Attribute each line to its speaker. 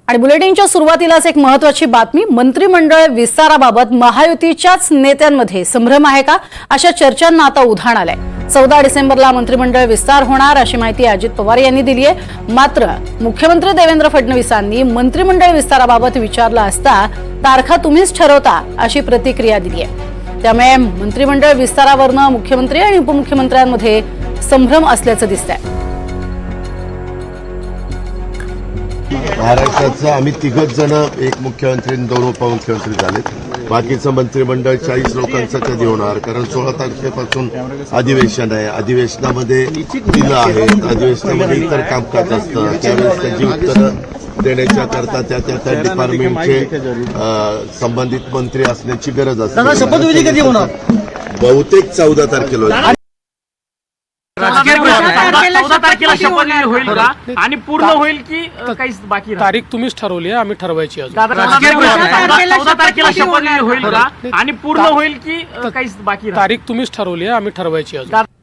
Speaker 1: आणि बुलेटिनच्या सुरुवातीलाच एक महत्त्वाची बातमी। मंत्रिमंडळ विस्ताराबाबत महायुतीच्याच नेत्यांमध्ये संभ्रम आहे का, अशा चर्चांना आता उधाण आलंय। 14 डिसेंबरला मंत्रिमंडळ विस्तार होणार अशी माहिती अजित पवार यांनी दिली आहे। मात्र मुख्यमंत्री देवेंद्र फडणवीसांनी मंत्रिमंडळ विस्ताराबाबत विचारलं असता तारखा तुम्हीच ठरवता अशी प्रतिक्रिया दिली आहे। त्यामुळे मंत्रिमंडळ विस्तारावरून मुख्यमंत्री आणि उपमुख्यमंत्र्यांमध्ये संभ्रम असल्याचं दिसतंय।
Speaker 2: महाराष्ट्राचं आम्ही तिघच जण, एक मुख्यमंत्री आणि 2 उपमुख्यमंत्री झाले। बाकीचं मंत्रिमंडळ 40 लोकांचं कधी होणार? कारण 16 तारखेपासून अधिवेशन आहे। अधिवेशनामध्ये दिलं आहे, अधिवेशनामध्ये इतर कामकाज असतं, त्यावेळेस त्याची उत्तरं देण्याच्या करता त्या डिपार्टमेंटचे संबंधित मंत्री असण्याची गरज असते।
Speaker 3: शपथविधी कधी होणार?
Speaker 2: बहुतेक 14 तारखेला होईल।
Speaker 4: 14 तारखेला शपथविधी होईल का आणि पूर्ण होईल की काही बाकी राहील?
Speaker 5: तारीख तुम्हीच ठरवली आहे, आम्ही ठरवायची अजून।
Speaker 4: 14 तारखेला शपथविधी होईल का आणि पूर्ण होईल की काही बाकी राहील?
Speaker 5: तारीख तुम्हीच ठरवली आहे, आम्ही ठरवायची अजून।